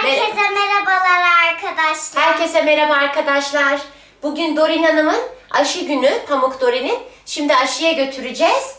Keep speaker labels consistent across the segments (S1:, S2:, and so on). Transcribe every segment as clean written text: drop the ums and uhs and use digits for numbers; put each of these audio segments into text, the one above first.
S1: Herkese merhabalar arkadaşlar.
S2: Herkese merhaba arkadaşlar. Bugün Dorin Hanım'ın aşı günü, Pamuk Dorin'in. Şimdi aşıya götüreceğiz.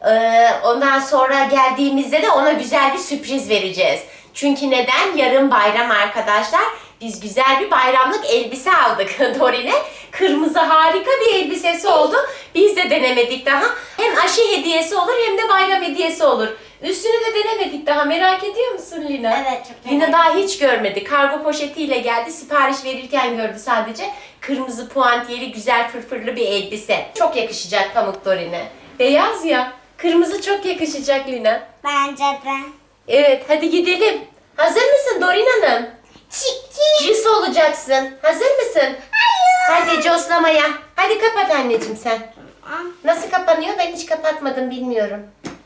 S2: Ondan sonra geldiğimizde de ona güzel bir sürpriz vereceğiz. Çünkü neden? Yarın bayram arkadaşlar. Biz güzel bir bayramlık elbise aldık Dorin'e. Kırmızı harika bir elbisesi oldu. Biz de denemedik daha. Hem aşı hediyesi olur hem de bayram hediyesi olur. Üstünü de denemedik daha. Merak ediyor musun Lina?
S1: Evet, çok
S2: Lina daha hiç görmedi. Kargo poşetiyle geldi. Sipariş verirken gördü sadece. Kırmızı puantiyeli güzel fırfırlı bir elbise. Çok yakışacak Pamuk Dorin'e. Beyaz ya. Kırmızı çok yakışacak Lina.
S1: Bence de.
S2: Evet, hadi gidelim. Hazır mısın Dorin Hanım?
S1: Çiki.
S2: Cins olacaksın. Hazır mısın?
S1: Hayır.
S2: Hadi coslamaya. Hadi kapat anneciğim sen. Nasıl kapanıyor? Ben hiç kapatmadım, bilmiyorum.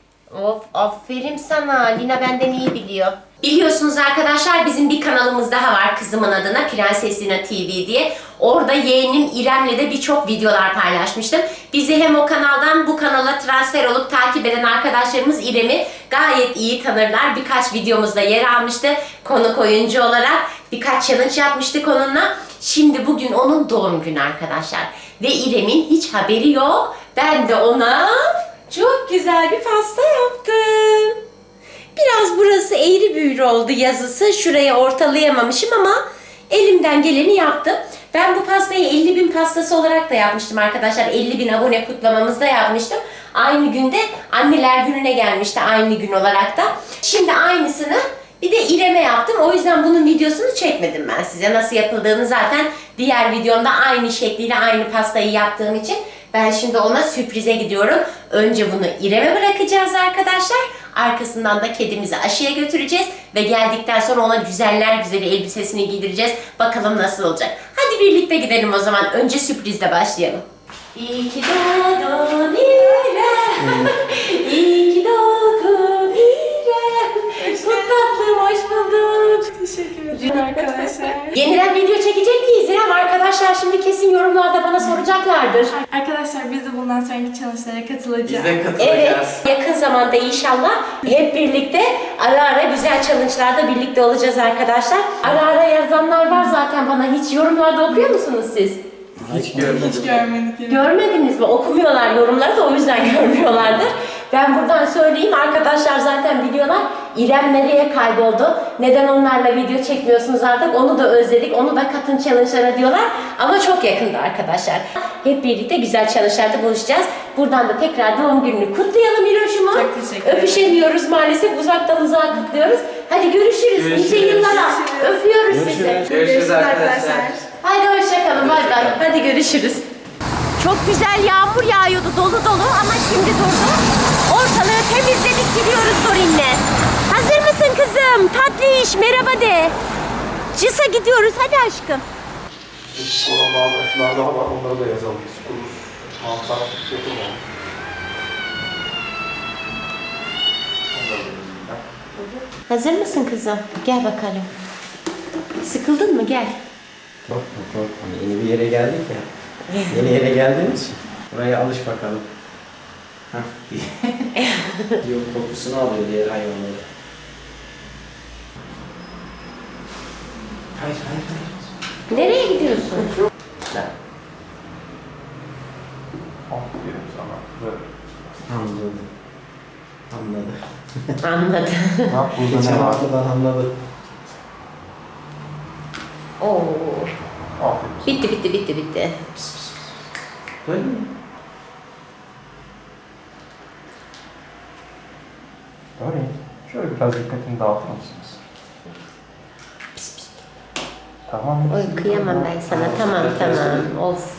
S2: Of, aferin sana. Lina benden iyi biliyor. Biliyorsunuz arkadaşlar, bizim bir kanalımız daha var kızımın adına, Prenses Lina TV diye. Orada yeğenim İrem'le de birçok videolar paylaşmıştım. Bizi hem o kanaldan bu kanala transfer olup takip eden arkadaşlarımız İrem'i gayet iyi tanırlar. Birkaç videomuzda yer almıştı konuk oyuncu olarak. Birkaç challenge yapmıştık onunla. Şimdi bugün onun doğum günü arkadaşlar. Ve İrem'in hiç haberi yok. Ben de ona çok güzel bir pasta yaptım. Biraz burası eğri büğrü oldu yazısı. Şuraya ortalayamamışım ama elimden geleni yaptım. Ben bu pastayı 50.000 pastası olarak da yapmıştım arkadaşlar. 50.000 abone kutlamamızda yapmıştım. Aynı günde Anneler Günü'ne gelmişti, aynı gün olarak da. Şimdi aynısını bir de İrem'e yaptım. O yüzden bunun videosunu çekmedim ben size. Nasıl yapıldığını zaten diğer videomda aynı şekliyle aynı pastayı yaptığım için ben şimdi ona sürprize gidiyorum. Önce bunu İrem'e bırakacağız arkadaşlar. Arkasından da kedimizi aşıya götüreceğiz. Ve geldikten sonra ona güzeller güzeli elbisesini giydireceğiz. Bakalım nasıl olacak. Hadi birlikte gidelim o zaman. Önce sürprizle başlayalım. İyi ki doğdun İrem. İyi ki doğdun İrem. Çok tatlım, hoş bulduk.
S3: Teşekkür ederim arkadaşlar.
S2: Yeniden video çekecek miyiz İrem? Arkadaşlar şimdi kesin yorumlarda bana soracaklardır.
S3: Arkadaşlar biz de bundan sonraki challenge'lara katılacağız.
S4: Biz de katılacağız.
S2: Evet, yakın zamanda inşallah hep birlikte ara ara güzel challenge'larda birlikte olacağız arkadaşlar. Ara ara yazanlar var zaten bana. Hiç yorumlarda okuyor musunuz siz?
S4: Hiç görmedim.
S3: Hiç görmedik. Yani.
S2: Görmediniz mi? Okumuyorlar yorumları da o yüzden görmüyorlardır. Ben buradan söyleyeyim, arkadaşlar zaten biliyorlar. İrem nereye kayboldu? Neden onlarla video çekmiyorsunuz artık? Onu da özledik. Onu da katın challenge'lara diyorlar. Ama çok yakında arkadaşlar. Hep birlikte güzel challenge'larda buluşacağız. Buradan da tekrar doğum gününü kutlayalım İroş'umu.
S3: Çok teşekkür ederim.
S2: Öpüşemiyoruz maalesef. Uzaktan uzağa kutluyoruz. Hadi görüşürüz. Nice yıllara. Öpüyoruz sizi.
S4: Görüşürüz arkadaşlar.
S2: Hadi hoşçakalın. Bay bay. Hadi görüşürüz. Çok güzel yağmur yağıyordu dolu dolu ama şimdi durdu. Ortalığı temizledik, gidiyoruz Dorin'le. Hazır mısın kızım? Tatlı iş, merhaba de. Cisa gidiyoruz, hadi aşkım.
S5: Programlar daha var, onları da yazalım. Kurur, mantar, yapılmalı. Onları da yazayım ben.
S2: Hazır mısın kızım? Gel bakalım. Sıkıldın mı? Gel.
S4: Korkma. Yeni bir yere geldik ya. Yeni yere geldiğimiz için. Buraya alış bakalım. Hah. Yok, kokusunu alıyor diğer hayvanları. Hayır.
S2: Nereye gidiyorsun?
S5: Aferin sana. Böyle.
S4: Anladı.
S2: Anladım.
S5: Bak burada
S4: Geçen
S5: ne var?
S4: haftadan anladı.
S2: Oo.
S5: Aferin.
S2: Bitti.
S4: Böyle mi?
S5: Öyle. Şöyle biraz dikkatini dağıtır mısınız? Tamam.
S2: Oy kıyamam ben sana. Tamam. Of.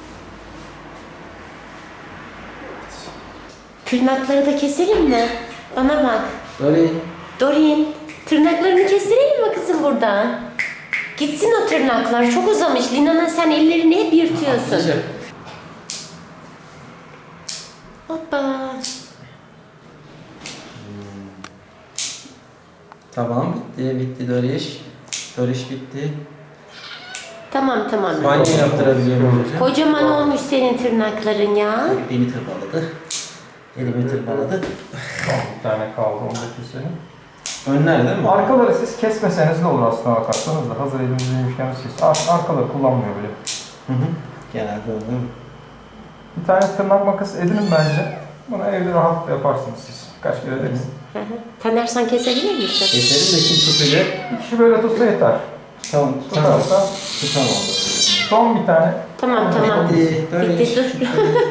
S2: Tırnakları da keselim mi? Bana bak.
S4: Böyle.
S2: Dorin, tırnaklarını kestirelim mi kızım burada? Gitsin o tırnaklar. Çok uzamış. Lina'nın sen ellerini hep yırtıyorsun. Hoppa.
S4: Tamam, bitti Doriş. Doriş bitti.
S2: Tamam.
S4: Banyo yaptırabiliyorum hocam.
S2: Kocaman olmuş senin tırnakların ya.
S4: Beni tırmaladı. Elimi tırmaladı.
S5: Bir tane kaldı, onu da keselim.
S4: Önler değil mi?
S5: Arkaları siz kesmeseniz de olur aslına bakarsanız da. Hazır elimizdeymişken siz. Arkaları kullanmıyor bile.
S4: Hı hı. Genelde öyle değil mi?
S5: Bir tane tırnak makası edinin bence. Bunu evde rahatlıkla yaparsınız siz. Kaç kere deneyin.
S2: Taner sen kesebilir misin?
S4: Keselim de kim tutacak?
S5: Bir kişi böyle tutsa yeter.
S4: Tamam, tutamam.
S5: Tutarsa
S4: Tutamam.
S5: son bir tane.
S2: Tamam tamam.
S4: Böyle
S2: Bitti, dur.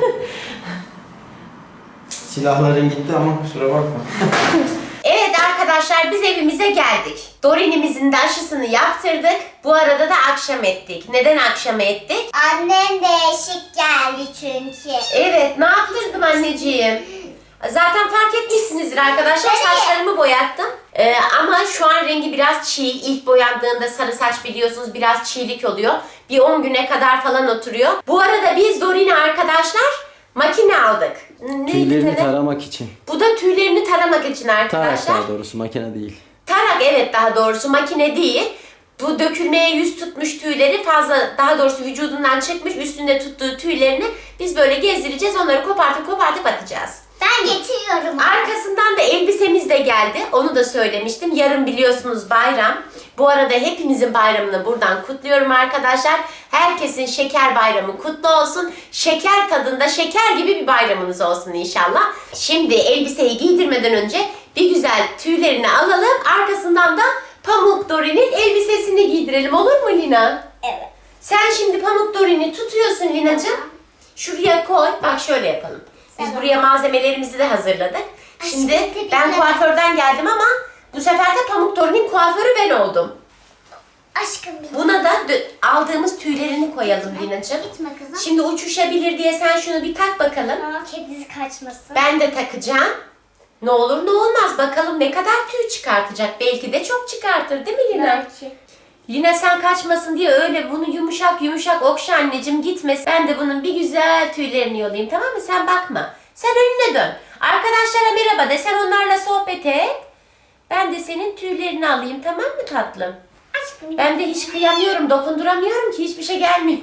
S4: Silahların gitti ama kusura bakma.
S2: Evet arkadaşlar biz evimize geldik. Dorin'imizin de aşısını yaptırdık. Bu arada da akşam ettik. Neden akşam ettik?
S1: Annem değişik geldi çünkü.
S2: Evet ne yaptırdım anneciğim? Zaten fark etmişsinizdir arkadaşlar saçlarımı boyattım. Ama şu an rengi biraz çiğ. İlk boyandığında sarı saç biliyorsunuz biraz çiğlik oluyor. Bir 10 güne kadar falan oturuyor. Bu arada biz Dorin'e arkadaşlar makine aldık.
S6: Tüylerini taramak için.
S2: Bu da tüylerini taramak için arkadaşlar.
S6: Tarak daha doğrusu, makine değil.
S2: Tarak evet daha doğrusu makine değil. Bu dökülmeye yüz tutmuş tüyleri fazla daha doğrusu vücudundan çıkmış üstünde tuttuğu tüylerini biz böyle gezdireceğiz onları kopartıp atacağız.
S1: Ben getiriyorum.
S2: Arkasından da elbisemiz de geldi. Onu da söylemiştim. Yarın biliyorsunuz bayram. Bu arada hepimizin bayramını buradan kutluyorum arkadaşlar. Herkesin şeker bayramı kutlu olsun. Şeker tadında şeker gibi bir bayramınız olsun inşallah. Şimdi elbiseyi giydirmeden önce bir güzel tüylerini alalım. Arkasından da Pamuk Dorin'in elbisesini giydirelim. Olur mu Lina?
S1: Evet.
S2: Sen şimdi Pamuk Dorin'i tutuyorsun Lina'cığım. Şuraya koy. Bak şöyle yapalım. Biz buraya malzemelerimizi de hazırladık. Şimdi
S1: Aşkım,
S2: ben kuaförden geldim ama bu sefer de Pamuk Dorin'in kuaförü ben oldum.
S1: Aşkım bir
S2: Buna da aldığımız tüylerini koyalım Lina'cığım.
S1: gitme kızım.
S2: Şimdi uçuşabilir diye sen şunu bir tak bakalım.
S1: Ama kedisi kaçmasın.
S2: Ben de takacağım. Ne olur ne olmaz bakalım ne kadar tüy çıkartacak. Belki de çok çıkartır değil mi Lina?
S1: Belki.
S2: Lina sen kaçmasın diye öyle bunu yumuşak yumuşak okşa anneciğim gitmesin. Ben de bunun bir güzel tüylerini yolayayım tamam mı? Sen bakma. Sen önüne dön. Arkadaşlara merhaba de sen onlarla sohbet et. Ben de senin tüylerini alayım tamam mı tatlım?
S1: Aşkım.
S2: Ben de hiç kıyamıyorum, dokunduramıyorum ki hiçbir şey gelmiyor.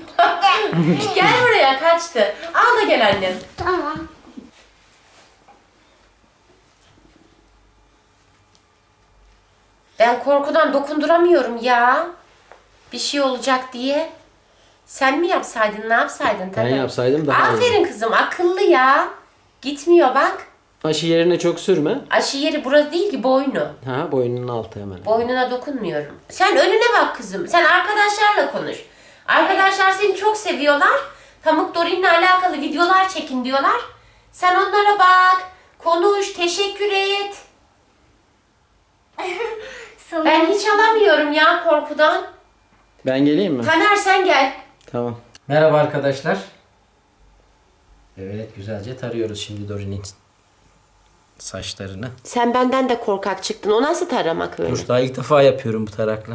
S2: Gel buraya kaçtı. Al da gel annem.
S1: Tamam.
S2: Ben korkudan dokunduramıyorum ya. Bir şey olacak diye. Sen mi yapsaydın, ne yapsaydın?
S6: Ben
S2: Taner?
S6: yapsaydım daha iyi.
S2: Aferin kızım, akıllı ya. Gitmiyor bak.
S6: Aşı yerine çok sürme.
S2: Aşı yeri burası değil ki boynu.
S6: Ha, boynunun altı hemen.
S2: Boynuna dokunmuyorum. Sen önüne bak kızım. Sen arkadaşlarla konuş. Arkadaşlar seni çok seviyorlar. Pamuk Dorin'le alakalı videolar çekin diyorlar. Sen onlara bak. Konuş, teşekkür et.
S1: Sonra
S2: Ben hiç alamıyorum ya korkudan.
S6: Ben geleyim mi?
S2: Taner sen gel.
S6: Tamam.
S4: Merhaba arkadaşlar. Evet güzelce tarıyoruz şimdi Dorin'in saçlarını.
S2: Sen benden de korkak çıktın. O nasıl taramak öyle?
S4: Dur daha ilk defa yapıyorum bu tarakla.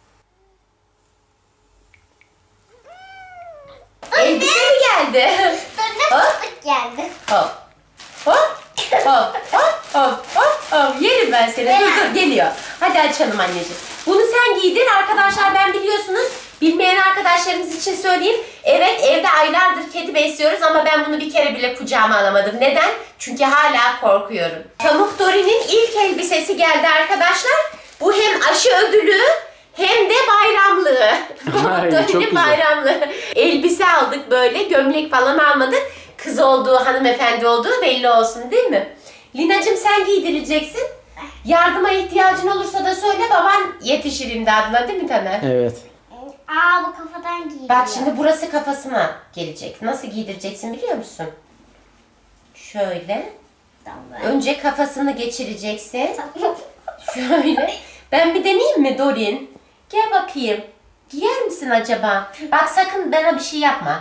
S2: Elbise mi geldi?
S1: sonra fıstık geldi.
S2: Hop. Hop. Hop. Hop. Hop. Hop. Hop. Yerim ben seni. Dur dur geliyor. Hadi açalım anneciğim. Bunu sen giydir. Arkadaşlar ben biliyorsunuz bilmeyen arkadaşlarımız için söyleyeyim. Evet evde aylardır kedi besliyoruz ama ben bunu bir kere bile kucağıma alamadım. Neden? Çünkü hala korkuyorum. Pamuk Dorin'in ilk elbisesi geldi arkadaşlar. Bu hem aşı ödülü hem de bayramlığı. Pamuk
S6: Ay, çok
S2: Dorin'in
S6: güzel.
S2: bayramlığı. Elbise aldık böyle. Gömlek falan almadık. Kız olduğu, hanımefendi olduğu belli olsun değil mi? Lina'cığım sen giydireceksin. Yardıma ihtiyacın olursa da söyle baban yetişir imdadına değil mi Taner?
S6: Evet.
S1: Aa bu kafadan giyiliyor.
S2: Bak şimdi burası kafasına gelecek. Nasıl giydireceksin biliyor musun? Şöyle.
S1: Tamam.
S2: Önce kafasını geçireceksin.
S1: Tamam.
S2: Şöyle. Ben bir deneyeyim mi Dorin? Gel bakayım. Giyer misin acaba? Bak sakın bana bir şey yapma.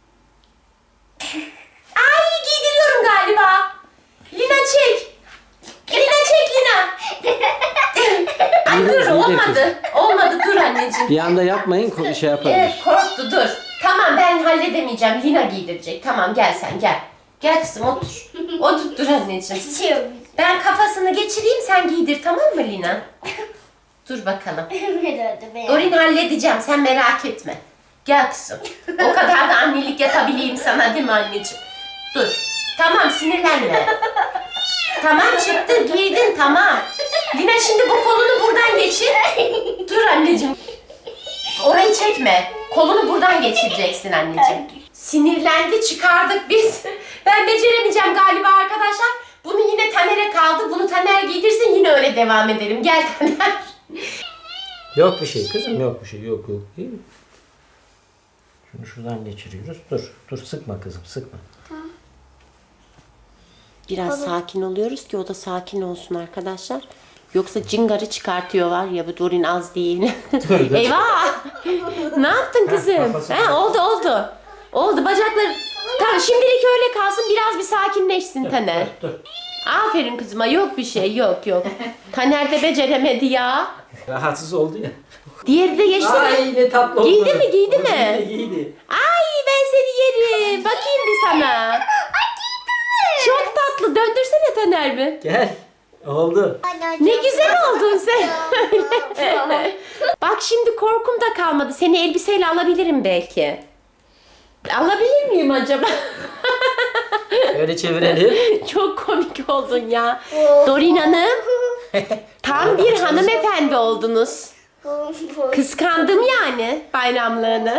S2: Ay giydiriyorum galiba. Lina çek. Lina çek Lina. Ay dur
S6: Giydir,
S2: olmadı. Olmadı dur anneciğim.
S6: Bir anda yapmayın, şey yapabilir.
S2: Evet korktu dur. Tamam ben halledemeyeceğim. Lina giydirecek. Tamam gel sen gel. Gel kızım otur. Otur dur anneciğim.
S1: Açıyorum.
S2: Ben kafasını geçireyim sen giydir tamam mı Lina? Dur bakalım. Dorin halledeceğim sen merak etme. Gel kızım. O kadar da annelik yapabileyim sana değil mi anneciğim? Dur. Tamam sinirlenme. Tamam çıktı giydin tamam. Lina şimdi bu kolunu buradan geçir. Dur anneciğim. Orayı çekme. Kolunu buradan geçireceksin anneciğim. Sinirlendi çıkardık biz. Ben beceremeyeceğim galiba arkadaşlar. Bunu yine Taner'e kaldı. Bunu Taner giydirsin yine öyle devam edelim. Gel Taner.
S6: Yok bir şey kızım, yok bir şey, yok. İyi mi? Şunu şuradan geçiriyoruz. Dur sıkma kızım, sıkma.
S2: Biraz sakin oluyoruz ki o da sakin olsun arkadaşlar. Yoksa cingarı çıkartıyor var ya bu Dorin az değil.
S6: Dur.
S2: Eyvah! Ne yaptın kızım? Oldu. Oldu bacakları. Tamam şimdilik öyle kalsın biraz bir sakinleşsin Taner.
S6: Dur.
S2: Aferin kızıma yok bir şey yok. Taner de beceremedi ya.
S6: Rahatsız oldu ya.
S2: Diğeri de geçti mi?
S6: Ay ne tatlı oldu.
S2: Giydi mi, giydi mi?
S6: Giydi.
S2: Ay ben seni yerim. Bakayım bir sana. Çok tatlı. Döndürsene Taner bir.
S6: Gel. Oldu.
S2: Ne güzel oldun sen. Bak şimdi korkum da kalmadı. Seni elbiseyle alabilirim belki. Alabilir miyim acaba?
S6: Öyle çevirelim.
S2: Çok komik oldun ya. Dorin Hanım. Tam bir hanımefendi oldunuz. Kıskandım yani bayramlığını.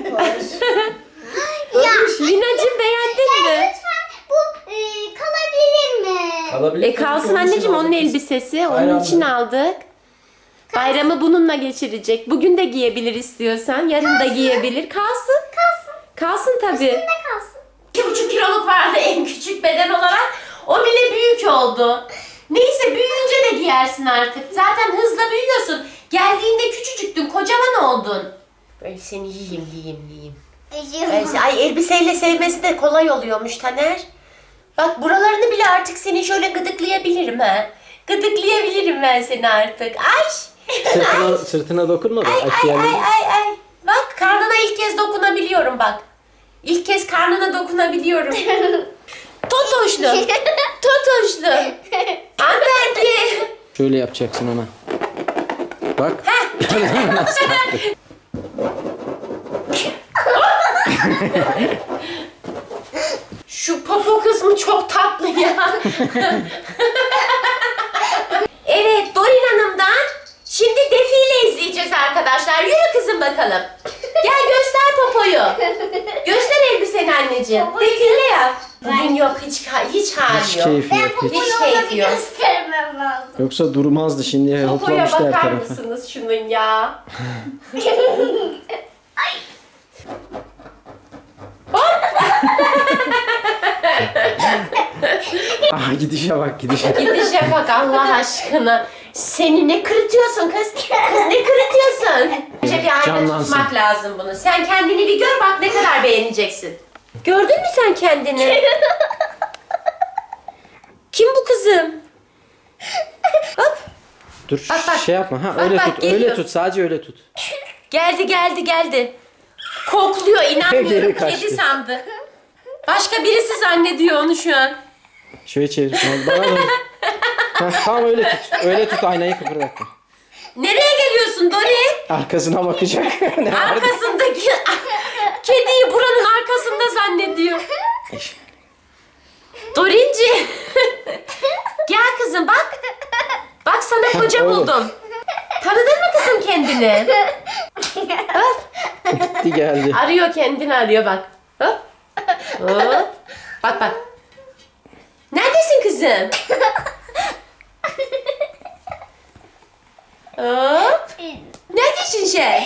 S2: Lina'cığım beğendin mi?
S1: Lütfen bu kalabilir mi?
S6: Kalabilir.
S2: Kalsın anneciğim onun elbisesi. Onun
S6: Bayramlığı.
S2: için aldık. Bayramı bununla geçirecek. Bugün de giyebilir istiyorsan. Yarın da giyebilir. Kalsın. Kalsın tabii.
S1: Ne kalsın?
S2: 2,5 kiloluk vardı en küçük beden olarak. O bile büyük oldu. Neyse büyüyünce de giyersin artık. Zaten hızla büyüyorsun. Geldiğinde küçücüktün, kocaman oldun. Böyle seni yiyeyim. Ay elbiseyle sevmesi de kolay oluyormuş Taner. Bak buralarını bile artık seni şöyle gıdıklayabilirim ha. Gıdıklayabilirim ben seni artık. Ay.
S6: Sırtına dokunma da.
S2: Ay. Bak karnına ilk kez dokunabiliyorum bak. İlk kez karnına dokunabiliyorum. Totoşlu. Hanımefendi.
S6: Şöyle yapacaksın ona. Bak.
S2: Şu popo kısmı çok tatlı ya. Evet Dorin Hanım'dan şimdi defile izleyeceğiz arkadaşlar. Yürü kızım bakalım. Gel göster popoyu. Göster elbiseni anneciğim. Defile yap. Bugün yok hiç hali
S6: Hiç
S2: yok.
S6: keyfi yok. Hiç.
S2: Hiç keyfi yok.
S1: Göstermem lazım.
S6: Yoksa durmazdı şimdi.
S2: Popoya
S6: Hoplamıştı her
S2: bakar
S6: tarafa.
S2: mısınız şunun ya?
S6: Ah gidişe bak gidişe.
S2: Gidişe bak Allah aşkına. Seni ne kırıtıyorsun kız? Kız ne kırıtıyorsun? Önce bir ayna
S6: Canlansın.
S2: tutmak lazım bunu. Sen kendini bir gör bak ne kadar beğeneceksin. Gördün mü sen kendini? Kim bu kızım? Hop.
S6: Dur
S2: Bak.
S6: şey yapma. Ha
S2: Bak,
S6: öyle
S2: bak,
S6: tut.
S2: geliyor.
S6: Öyle tut. Sadece öyle tut.
S2: Geldi. Kokluyor inanmıyorum.
S6: Geri kaçtı.
S2: Kedi sandı. Başka birisi zannediyor onu şu an.
S6: Şöyle çevir. Bana doğru. Ha, tamam öyle tut. Öyle tut aynayı kıpırdatma.
S2: Nereye geliyorsun Dori?
S6: Arkasına bakacak. Ne var?
S2: Arkasındaki kediyi buranın arkasında zannediyor. Dorinci. Gel kızım bak. Bak sana koca
S6: Öyle.
S2: buldum. Tanıdın mı kızım kendini? Hop.
S6: Gitti geldi.
S2: Arıyor kendini arıyor bak. Hop. Hop. Bak. Neredesin kızım? Hop. Neredesin sen?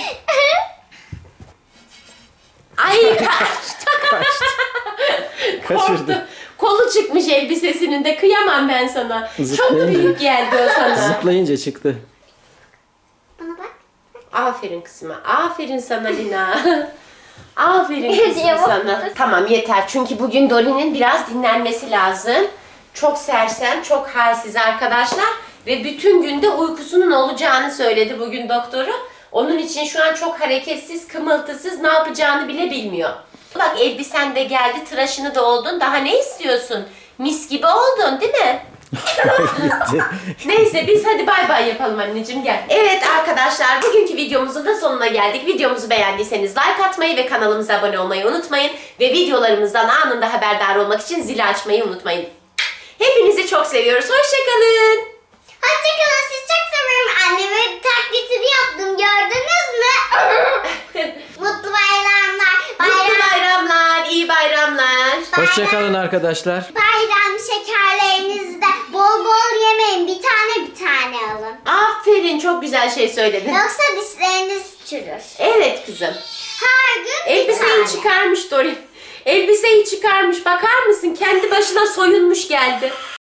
S2: Ay
S6: Kaçırdı.
S2: Kolu çıkmış elbisesinin de kıyamam ben sana. Çok
S6: Zıplayınca.
S2: büyük geldi o sana.
S6: Zıplayınca çıktı.
S1: Bana bak.
S2: Aferin kızıma. Aferin sana Lina. Aferin kızım sana. Tamam yeter çünkü bugün Dorin'in biraz dinlenmesi lazım. Çok sersem, çok halsiz arkadaşlar. Ve bütün günde uykusunun olacağını söyledi bugün doktoru. Onun için şu an çok hareketsiz, kımıltısız, ne yapacağını bile bilmiyor. Bak elbisen de geldi, tıraşını da oldun. Daha ne istiyorsun? Mis gibi oldun değil mi?
S6: Gitti.
S2: Neyse biz hadi bay bay yapalım anneciğim gel. Evet arkadaşlar bugünkü videomuzun da sonuna geldik. Videomuzu beğendiyseniz like atmayı ve kanalımıza abone olmayı unutmayın. Ve videolarımızdan anında haberdar olmak için zili açmayı unutmayın. Hepinizi çok seviyoruz. Hoşçakalın.
S1: Hoşçakalın, sizi çok seviyorum. Anneme taklitini yaptım, gördünüz mü? Mutlu bayramlar.
S2: Mutlu bayramlar, iyi bayramlar.
S6: Hoşçakalın arkadaşlar.
S1: Bayram şekerlerinizi de bol bol yemeyin. Bir tane alın.
S2: Aferin, çok güzel şey söyledin.
S1: Yoksa dişleriniz çürür.
S2: Evet kızım.
S1: Her gün bir
S2: Elbiseyi
S1: tane.
S2: çıkarmış Dori. Elbiseyi çıkarmış. Bakar mısın? Kendi başına soyunmuş geldi.